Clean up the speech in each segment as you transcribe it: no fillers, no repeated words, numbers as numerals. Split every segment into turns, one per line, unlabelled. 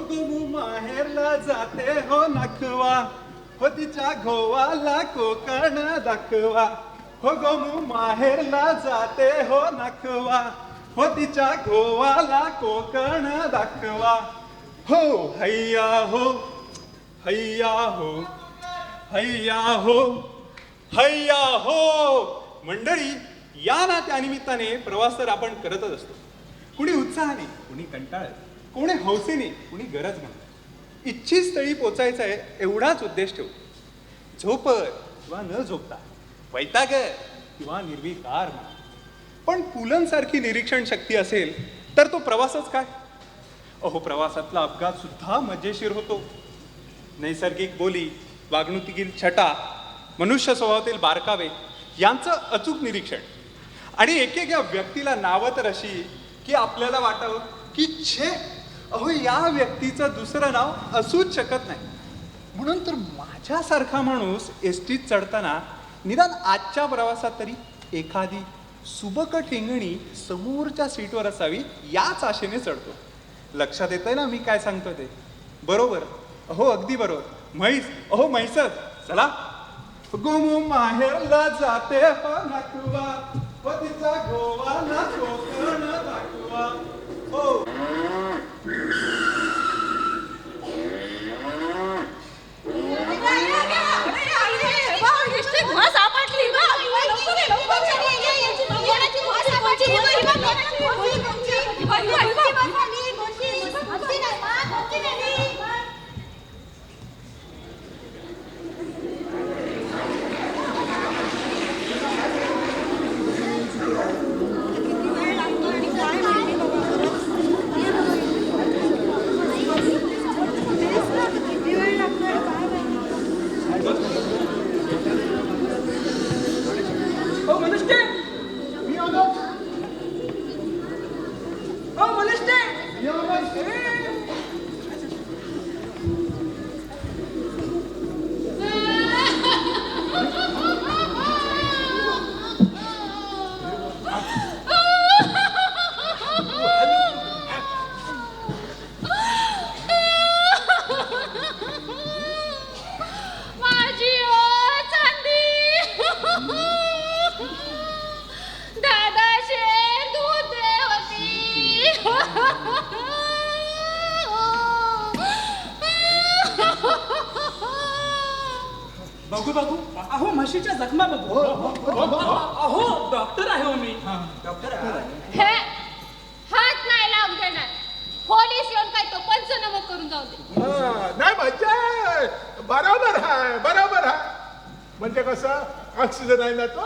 गोमू माहेरला जाते हो नखवा, हो तिच्या गोवाला कोकण दाखवा. हो गोमू माहेरला जाते हो नखवा, हो तिच्या गोवाला कोकण दाखवा. हो हैया हो, हैया हो, हैया हो, हैया हो. मंडळी, या ना त्यानिमित्ताने प्रवास तर आपण करतच असतो. कुणी उत्साहाने, कुणी कंटाळत, कोणी हौसेने, कुणी गरज म्हणत. इच्छित स्थळी पोचायचं आहे एवढाच उद्देश ठेवतो. झोपत किंवा न झोपता, वैतागत किंवा निर्विकार म्हणा. पण पुलंसारखी निरीक्षण शक्ती असेल तर तो प्रवासच काय. अहो, प्रवासातला अपघात सुद्धा मजेशीर होतो. नैसर्गिक बोली, वागणुकीतील छटा, मनुष्य स्वभावातील बारकावे यांचं अचूक निरीक्षण आणि एकेका व्यक्तीला नावं तर अशी की आपल्याला वाटावं की छे, अहो या व्यक्तीचं दुसरं नाव असूच शकत नाही. म्हणून तर माझ्यासारखा माणूस एसटीत चढताना निदान आजच्या प्रवासात तरी एखादी सुबक ठेंगणी समोरच्या सीटवर असावी याच आशेने चढतो. लक्षात येतंय ना मी काय सांगतो ते? बरोबर, अहो अगदी बरोबर. म्हैस, अहो म्हैसच. चला. गोमू माहेरला जाते हो नखवा, हो तिचा गोवाला कोकण दाखवा. हो
बघू बघू, अहो म्हशीच्या जखमा बघू. अहो डॉक्टर आहे हो मी. डॉक्टर
हे हात नाही लावून देणार. पोलीस येऊन काय तो पंचनामा करून जाऊ दे.
नाही म्हणजे बरोबर आहे, बरोबर आहे. म्हणजे कसं ऑक्सिजन आहे ना तो,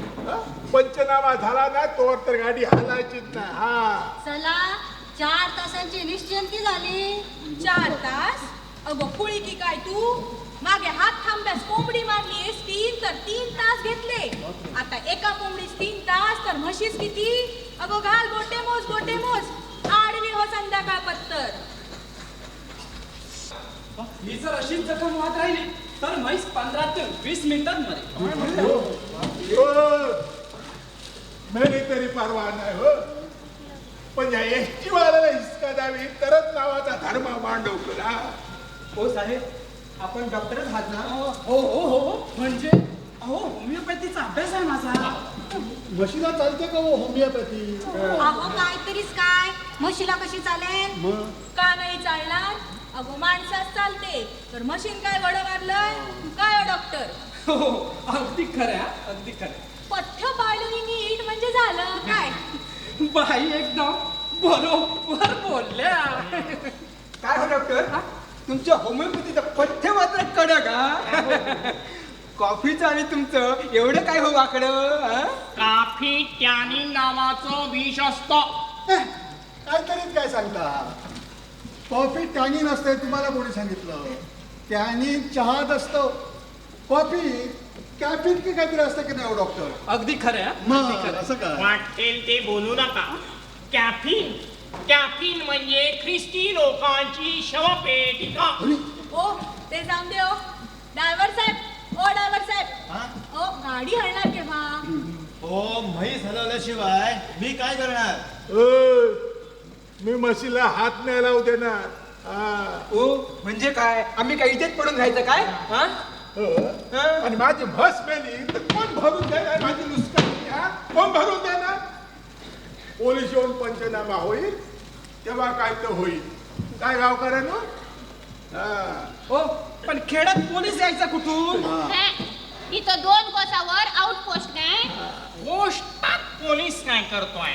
पंचनामा झाला ना तोवर तर गाडी हलायचीच नाही. हा
चला, 4 तासांची निश्चिंती झाली. 4 तास? अगो पुळी की काय तू? मागे हात थांब्यास कोंबडी मारलीस 3 तर 3 तास घेतले. आता एका कोंबडीस 3 तास तर म्हशीस किती? अगो घाल गोटे मोज, गोटे मोज. आडवी हो संध्याकाळ पत्तर.
ही जर अशीच जखम वाहत राहिली तर म्हैस 15 ते 20 मिनिटात मरेल.
मेली तरी परवा नाही हो, पण या एसटी वाल्याला हिसका द्यावी तरच नावाचा धर्म मांडव करा.
हो साहेब, आपण डॉक्टरच आहात ना? हो हो हो. म्हणजे अहो होमिओपॅथीचा अभ्यास आहे माझा.
म्हशीला चालते का हो होमिओपॅथी?
अहो काहीतरीच काय, म्हशीला कशी चालेल? का नाही चालणार? अगो माणसाच चालते तर मशीन काय वड मारलंय काय हो डॉक्टर?
हो, अगदी खरं, अगदी खरं.
पथ्य पाळलं नीट म्हणजे झालं काय?
बाई एकदम बरोबर बोलल्या.
काय हो डॉक्टर, तुमच्या होमिओपॅथीचं पथ्य मात्र कडक का? कॉफीचं आणि तुमचं एवढं काय हो वाकडं?
काफी टॅनिन नावाचं विष असतं.
काहीतरीच काय सांगता. कॉफी टॅनिन असते तुम्हाला कोणी सांगितलं? टॅनिन चहात असतं, कॉफी कॅफिन की काहीतरी असतं की नाही हो डॉक्टर?
अगदी खरं.
मग असं काय?
वाटेल ते बोलू नका. कॅफिन कॅफिन म्हणजे ख्रिस्ती लोकांची शवपेटिका.
ओ ते जाऊन दे. ओ ड्रायव्हर साहेब, ओ ड्रायव्हर साहेब, ओ गाडी हलणार केव्हा?
हो, म्हैस हलवल्याशिवाय मी काय करणार?
मी म्हशीला हात नाही लावू देणार.
ओ म्हणजे काय आम्ही काय इथेच पडून राहायचं काय हा
आणि माझी म्हस मेली तर कोण भरून देणार माझी नुसकानी हा कोण भरून देणार पोलीस येऊन पंचनामा होईल तेव्हा काय तर होईल काय गावकऱ्यानो
हो पण खेड्यात पोलीस यायचा कुठून
हे, इथं 2 कोसावर आउटपोस्ट काय
पोस्टात पोलीस काय करतोय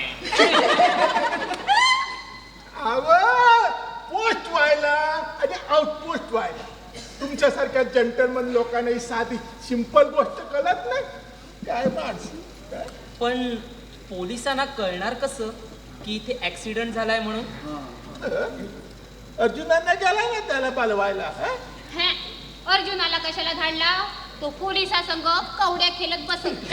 पोस्ट व्हायला आणि आउटपोस्ट व्हायला तुमच्यासारख्या जंटलमन लोकांना ही साधी सिंपल गोष्ट कळत नाही काय माणसं काय
पण पोलिसांना कळणार कसं की इथे ऍक्सिडेंट झालाय म्हणून
अर्जुनांना गेला ना त्याला पालवायला
हे, अर्जुनाला कशाला धाडला तो पोलिसासंग कवड्या खेळत बसेल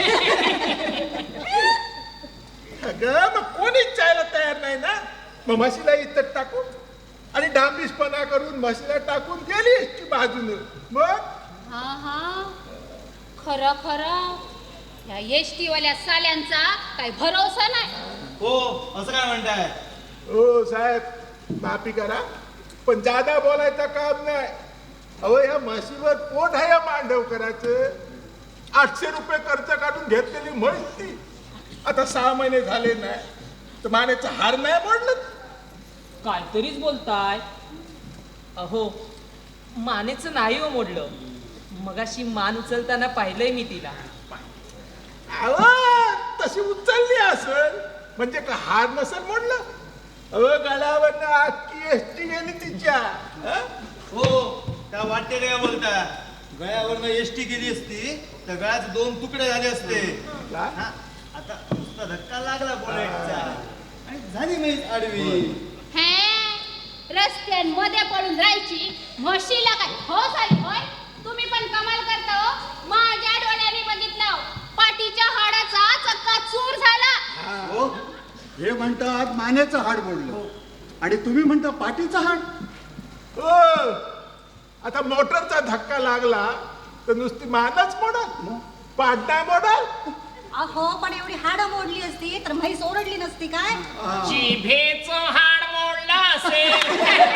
अगं मग कोणीच जायला तयार नाही ना मग म्हशीला इथं टाकून आणि डांबीसपणा करून म्हशीला टाकून गेली एसटी बाजूने मग
हा खरं खरं या एसटी वाल्या साल्यांचा काही भरोसा नाही
हो असं काय म्हणताय
हो साहेब माफी करा पण जादा बोलायचं काम नाही अहो या म्हशीवर पोट आहे या मांडव करायचं 800 रुपये खर्च काढून घेतलेली म्हैस ती आता 6 महिने झाले नाही तर मानेचा हार नाही मोडलं
काहीतरीच बोलताय अहो मानेचं नाही हो मोडलं मगाशी मान उचलताना पाहिलंय मी तिला
अहो तशी उचलली असेल म्हणजे का हार नसेल मोडलं अहो गळ्यावरनं अख्खी एसटी गेली तिच्या
हो त्या वाटते काय बोलता गळ्यावरनं एसटी गेली असती तर गळ्याचे 2 तुकडे झाले असते
काय?
हा, आता नुसता धक्का लागला बोलायचा आणि झाली मी आडवी
हे रस्त्यांमध्ये पडून राहायची म्हशीला काय हो साली होय तुम्ही पण कमाल करता हो माझ्या डोळ्यांनी बघितलं पाठीच्या हाडाचा चक्का चूर झाला
हो हे म्हणतात मानेचं हाड मोडलं आणि तुम्ही म्हणता पाठीचं हाड
हो आता मोटरचा धक्का लागला तर नुसती मानच मोडल पाठ नाही मोडल
अहो पण एवढी हाडं मोडली असती तर म्हैस ओरडली नसती काय
जिभेचं हाड मोडलं असेल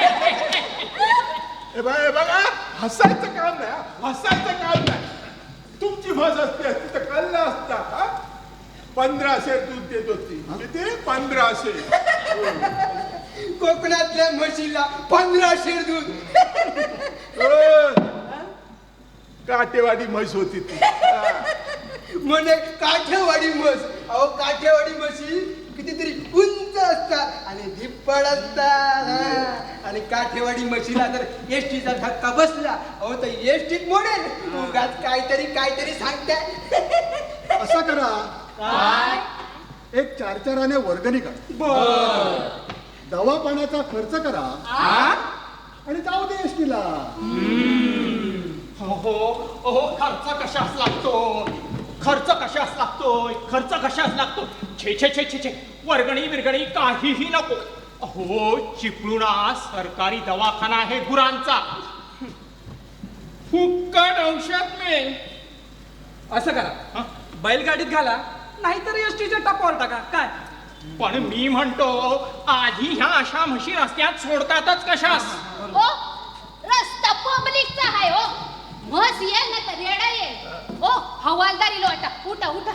हे बघा हसायचं काम नाही हसायचं काम नाही तुमची म्हस असती असती तर कळलं असता 1500 दूध देत होती किती 1500
कोकणातल्या म्हशीला 1500 दूध
काटेवाडी म्हैस होती ती
म्हणे काठेवाडी म्हस अहो काठेवाडी म्हशी कितीतरी उंच असतात आणि धिप्पड असतात आणि काठेवाडी म्हशीला जर एसटीचा धक्का बसला अहो तर एसटीत मोडेल उगाच काहीतरी सांगताय
असं करा एक 4 आणे वर्गणी करा दवा पाण्याचा खर्च करा आणि जाऊ दे एसटीला
हो खर्च कशास लागतो छे वर्गणी बिरगणी काहीही नको अहो चिपळुणा सरकारी दवाखाना आहे गुरांचा फुक्कट औषध मिळेल
असं करा बैलगाडीत घाला नाहीतर एसटीच्या टपावर टाका काय
पण मी म्हणतो आधी ह्या अशा म्हशी रस्त्यात सोडतातच कशास
हो रस्ता पब्लिकचा आहे हो म्हस येईल ना तर रेडा येईल हो हवालदारी लोटा उठा उठा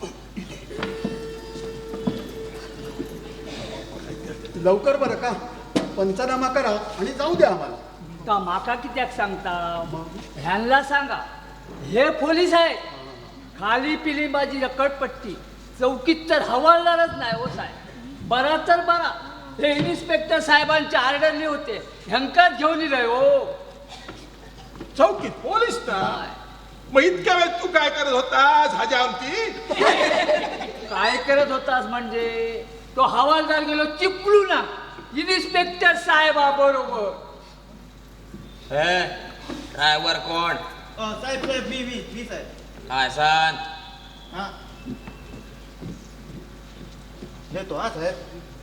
लवकर बरं का पंचनामा करा आणि जाऊ द्या आम्हाला
का माका कित्याक सांगता ह्यांना सांगा हे पोलीस आहे खाली पिली माझी रकडपट्टी चौकीत तर हवालदारच नाही हो साहेब बरा तर बरा हे इन्स्पेक्टर साहेबांचे आर्डरले होते ह्यांकाच घेऊन येईल हो
चौकीत पोलीस ना मग इतक्या वेळ तू काय करत होतास हजामती
काय करत होतास म्हणजे तो हवालदार गेलो चिपळू ना इन्स्पेक्टर साहेबा बरोबर
ड्रायव्हर कोण
साहेब मी साहेब
काय सांग
हा येतो हा साहेब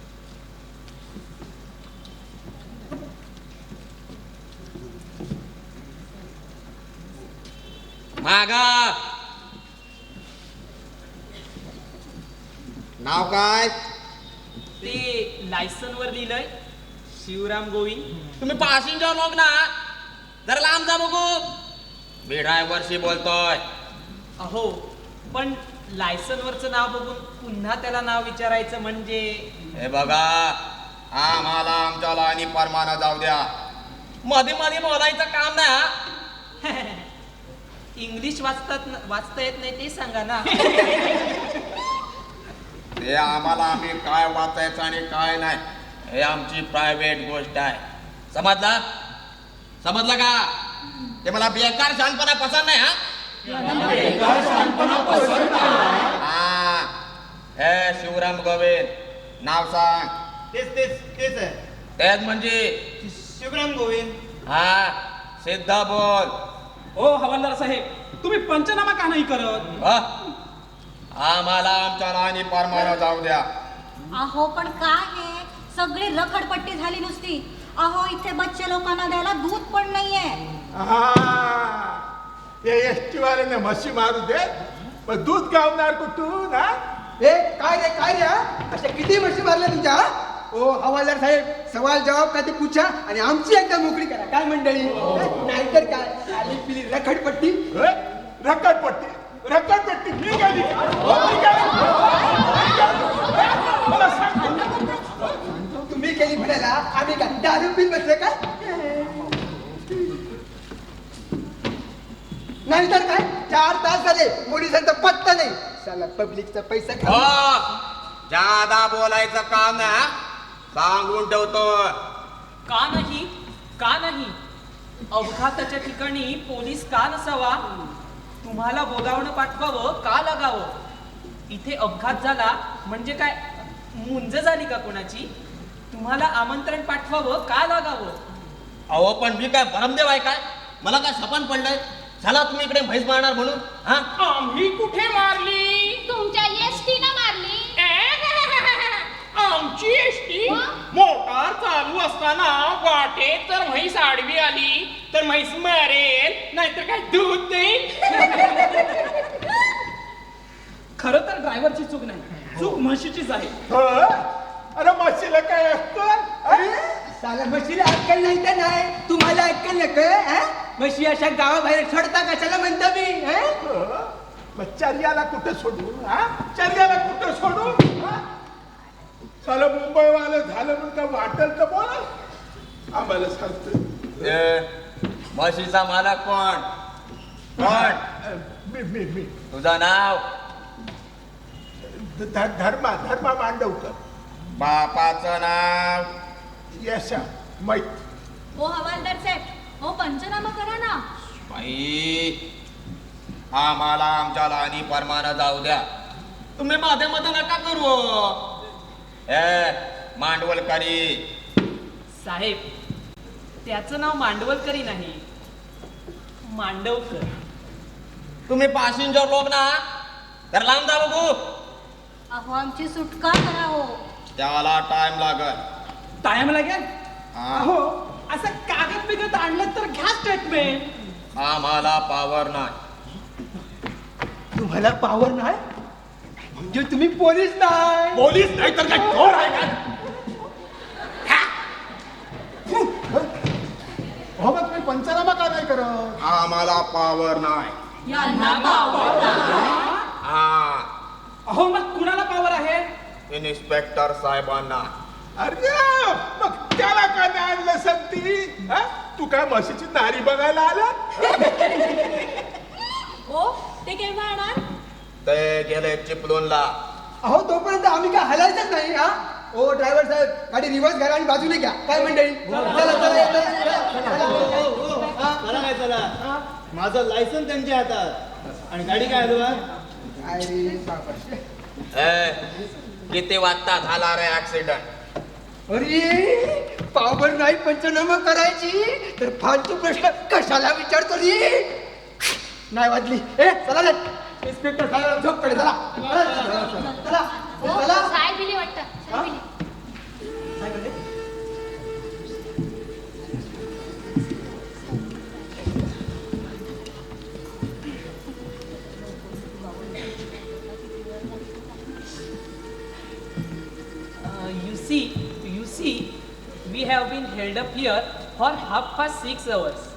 मागा नाव काय
ते लायसन वर लिहिलंय शिवराम गोविंद.
तुम्ही पॅसेंजर लोक ना, जरा लांब जा बघू. मी ड्रायव्हरशी बोलतोय.
अहो पण लायसन वरचं नाव बघून पुन्हा त्याला नाव विचारायचं म्हणजे.
हे बघा, आम्हाला आमच्या लाईनी परमानं जाऊ द्या. मध्ये मध्ये बोलायचं काम नाही.
इंग्लिश वाचता येत नाही ते सांगा ना.
ते आम्हाला आम्ही काय वाचायचं आणि काय नाही हे आमची प्रायव्हेट गोष्ट आहे. समजला? समजलं का? ते मला बेकार शहाणपणा पसंत नाही. हा, हे शिवराम गोविंद नाव सांग.
तेच आहे.
तेच म्हणजे
शिवराम गोविंद.
हा, सिद्ध बोल.
ओ हवालदार साहेब, तुम्ही पंचनामा का नाही करत?
हा? आम्हाला आमच्या राणी परमानं जाऊ द्या.
अहो पण काय हे सगळी रखडपट्टी झाली नुसती. अहो इथे बच्चे लोकांना द्यायला दूध पण नाहीये.
हे एसटी वाल्याने म्हशी मारू दे, पण दूध गावणार कुठून? हा?
ए काय रे हा? अशा किती म्हशी मारल्या तुमच्या? ओ हवालदार साहेब, सवाल जवाब का ते पूछा आणि आमची एकदा मोकळी करा. काय मंडळी? नाहीतर काय आली पिली रखडपट्टी.
रखडपट्टी मी गेली.
तुम्ही केली म्हणाला, आम्ही काय दारू पिन बसले का? नाहीतर काय 4 तास झाले पोलिसांचा पत्ता नाही. साला पब्लिकचा पैसा
हो, जादा बोलायचं काम ना, सांगून ठेवतो.
का नाही? का नाही? अपघाताच्या ठिकाणी पोलीस का नसावा? तुम्हाला बोलावणं पाठवावं का लागावं? इथे अपघात झाला म्हणजे काय मुंज झाली का कोणाची? तुम्हाला आमंत्रण पाठवावं का लागावं?
अहो पण मी काय भरमदेव आहे काय? मला काय सपन पडलंय? झाला तुम्ही इकडे म्हैस मारणार म्हणून? हा,
आम्ही कुठे मारली?
तुमच्या एसटी न मारली.
आमची एसटी मोटार चालू असताना वाटेत जर म्हैस आडवी आली तर म्हैस मरेल, नाहीतर काय दूध देईल.
खरं तर ड्रायव्हरची चूक नाही, चूक म्हशीचीच आहे.
अरे म्हशीला काय असतं?
साला म्हशीला अक्कल नाही तर नाही, तुम्हाला अक्कल नका. म्हशी अशा गावाबाहेर सोडता कशाला म्हणता मी?
मग चर्याला कुठं सोडू? हा, चर्याला कुठं सोडू? चला मुंबईवालं झालं म्हणून काय वाटेल तर बोला. आम्हाला सांगतो
म्हशीचा मालक कोण? कोण?
मी
तुझं नाव?
धर्मा मांडवकर.
बापाचं नाव?
यशा मैत.
ओ हवालदार साहेब, हो पंचनामा करा ना.
बाई, आम्हाला आमच्या लहानी परमानं जाऊ द्या. तुम्ही मध्ये मध्ये नका करू. मांडवलकरी
साहेब, त्याचं नाव मांडवलकरी नाही, मांडवकर.
तुम्ही पॅसेंजर लोक ना, तर लांब जा बघू.
अहो आमची सुटका करा हो.
त्याला टाइम लागल.
टाइम लागेल?
हा.
अहो असं कागद बिगत आणलं तर घ्या स्टेटमेंट.
आम्हाला पावर नाही.
तुम्हाला पावर नाही म्हणजे तुम्ही पोलीस नाही?
पोलीस नाही तर काय चोर आहे का?
हो मग तुम्ही पंचनामा का नाही करत?
आम्हाला पावर नाही. हा,
अहो मग कुणाला पावर आहे?
इन्स्पेक्टर साहेबांना.
अरे मग त्याला का नाही आणलं संती? तू काय म्हशीची नारी बघायला आला?
हो ते केव्हा येणार?
ते गेले चिपळूणला.
अहो तोपर्यंत आम्ही काय हलायचंच नाही. हा ओ ड्रायव्हर साहेब, गाडी रिव्हर्स घ्या आणि बाजूने घ्या. काय मंडळी?
चला काय चला, माझं लायसन त्यांच्या हातात आणि गाडी काय हलवा?
किती वाजता झाला रे ऍक्सिडेंट?
अरे पावर नाही पंचनामा करायची तर फालतू प्रश्न कशाला विचारतो रे? नाही वाजली. चला रे इन्स्पेक्टर साहेब, झोप कडे चला. चला
हो,
चला.
साय बिली वाटतं. साय बिली.
You see, we have been held up here for 6:30 hours.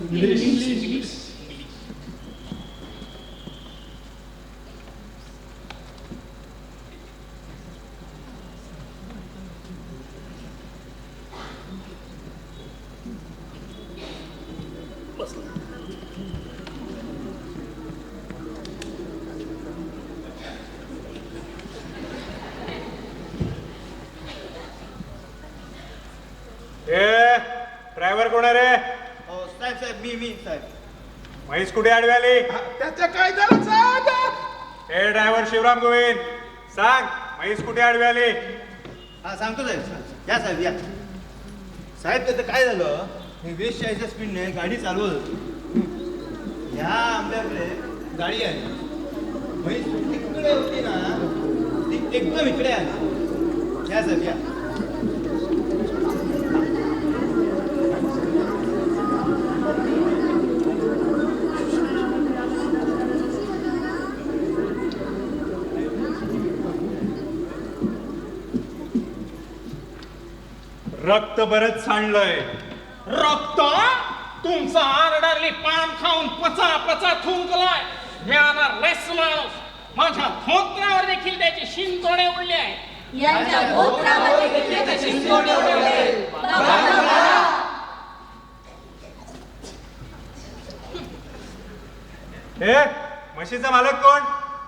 Driver कोण आहे रे?
हो साहेब साहेब मी साहेब.
म्हैस कुठे आडवी आली?
त्याचं काय झालं साहेब?
हे ड्रायव्हर शिवराम गोविंद, सांग म्हैस कुठे आडवी आली?
हा सांगतो साहेब. या साहेब या. साहेब त्याचं काय झालं, मी 20-40च्या स्पीडने गाडी चालवत होतो. ह्या आंब्याकडे गाडी आली. म्हैस तिकडे होती ना, ती एकदम इकडे आली. या साहेब या.
रक्त बरंच सांडलंय.
रक्त तुमचा आरडारली पान खाऊन पचा पचा थुंकलाय. म्याना रेस माणूस. माझ्या धोत्रावर देखील त्याचे शिंतोडे उडले आहेत.
यांच्या धोत्रावर देखील त्याचे शिंतोडे उडले.
हे म्हशीचा मालक कोण?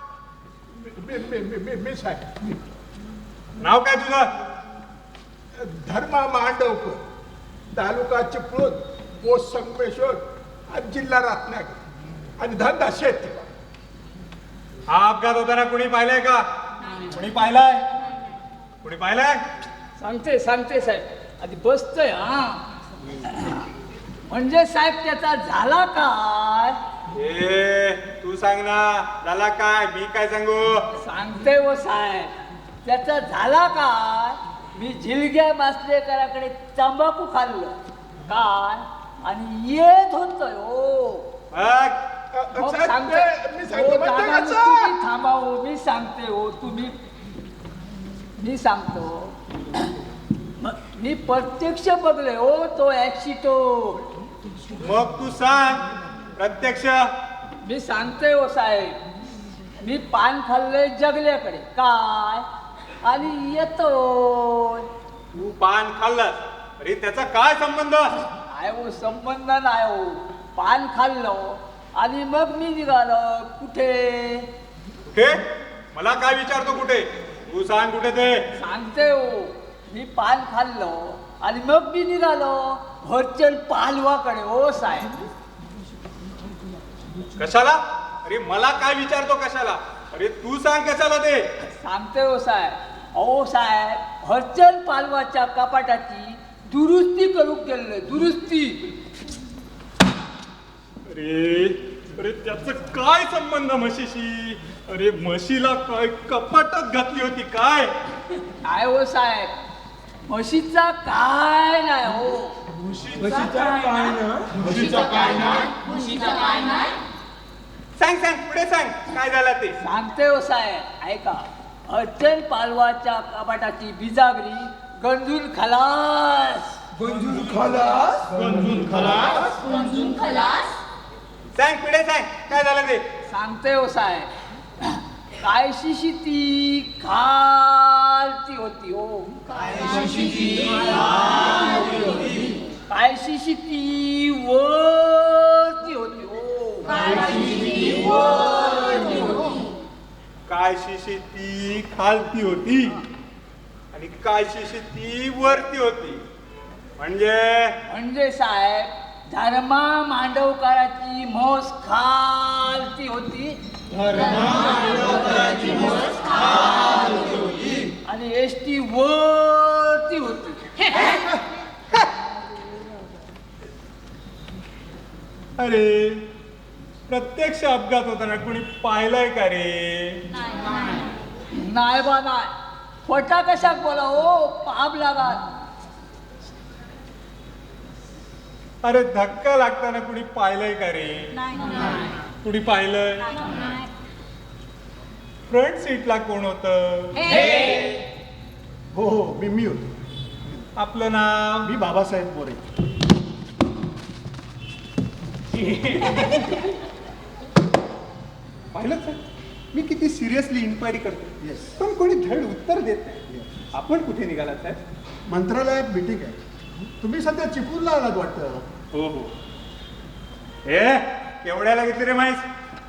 मी साहेब.
नाव काय तुझं?
धर्मा मांडवकर, तालुका चिपळूण, पोस्ट संगमेश्वर आणि जिल्हा रत्नागिरी आणि धंदा शेती.
हा अपघात होताना कुणी पाहिलंय का? कुणी पाहिलाय? कुणी पाहिलाय?
सांगते साहेब, आधी बसतोय. हा म्हणजे साहेब त्याचा झाला काय?
तू सांग ना, झाला काय? मी काय सांगू?
सांगते हो साहेब, त्याचा झाला काय? मी झिलग्या मासलेकराकडे तंबाखू खाल्लं काय आणि येत होतोय हो. मग सांगते हो दादा, तुम्ही थांबा हो, मी सांगते हो. मी सांगतो. मी प्रत्यक्ष बघले हो तो ऍक्सिडेंट.
मग तू सांग प्रत्यक्ष.
मी सांगते हो साहेब, मी पान खाल्लंय जगल्याकडे काय आणि येतो.
तू पान खाल्लंस, अरे त्याचा काय संबंध?
नाही हो, संबंध नाही हो. पान खाल्लो आणि मग मी निघालो. कुठे?
कुठे? मला काय विचारतो कुठे? तू सांग कुठे ते.
सांगते हो, मी पान खाल्लो आणि मग मी निघालो हरचंद पालवाकडे हो साहेब.
कशाला? अरे मला काय विचारतो कशाला? अरे तू सांग कशाला ते.
सांगते हो साहेब. अहो साहेब, हरचंद पालवाच्या कपाटाची दुरुस्ती करून गेले. दुरुस्ती.
अरे त्याचं काय संबंध म्हशीशी? अरे म्हशीला काय कपाटात घातली होती काय?
काय हो साहेब, म्हशीचा काय नाही हो.
म्हशीचा काय ना?
सांग पुढे सांग काय झालं ते.
सांगते हो साहेब, ऐका. हरचंद पालवाच्या कपाटाची बिजागरी गंजून खलास.
सांग पुढे सांग काय झालं ते.
सांगते हो साहेब, कायशीशी ती खालती होती हो. कायशीशी ती वरती होती हो.
काय शिशी ती खालती होती आणि काय शिशी ती वरती होती.
म्हणजे साहेब, धर्मा मांडवकराची म्हस खालती होती आणि एसटी वरती होती.
अरे प्रत्यक्ष अपघात होताना कुणी पाहिलंय का रे?
नाही बा नाही. खोटा कशाक बोला हो, पाप लागात.
अरे धक्का लागताना कुणी पाहिलंय का रे? कुणी पाहिलंय? फ्रंट सीटला कोण होतं?
हो मी होतो.
आपलं नाव?
मी बाबासाहेब मोरे.
पाहिलं सर, मी किती सिरियसली इन्क्वायरी करतो.
Yes.
पण कोणी धड उत्तर देत नाही. आपण कुठे निघालात साहेब?
मंत्रालयात मीटिंग आहे. तुम्ही सध्या चिपळूणला आलात वाटतं.
हो हो. केवढ्याला घेतली रे म्हैस?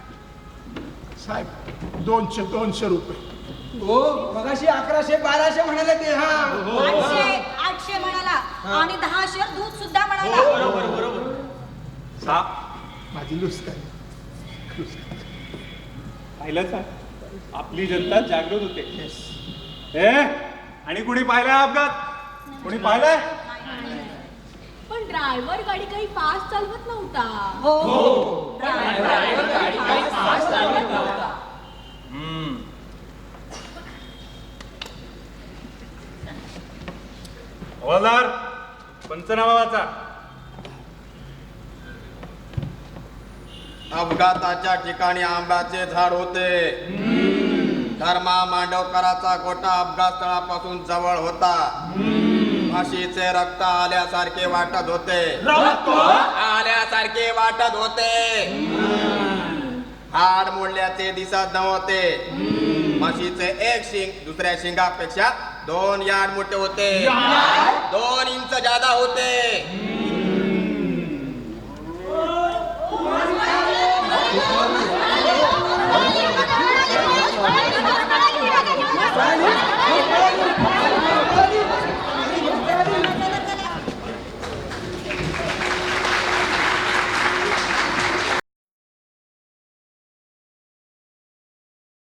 साहेब 200 रुपये.
हो मगाशी 1100 1200 म्हणाले ते. हा
800 म्हणाला आणि 10 शेर दूध सुद्धा म्हणाला.
माझी लुस्कान.
पाहिलं साहेब, आपली जनता जागृत होते. आणि कुणी पाहिलाय अपघात? कुणी पाहिलाय?
पण ड्रायव्हर गाडी काही फास्ट चालवत नव्हता.
हवालदार, पंचनामा वाचा.
अपघाताच्या ठिकाणी आंब्याचे झाड होते. धर्मा मांडवकराचा गोटा अपघात स्थळापासून जवळ होता. म्हशीचे रक्त आल्यासारखे वाटत होते. आल्यासारखे वाटत होते. हाड मोडल्याचे दिसत नव्हते. म्हशीचे एक शिंग दुसऱ्या शिंगापेक्षा 2 यार्ड मोठे होते. 2 इंच जादा होते.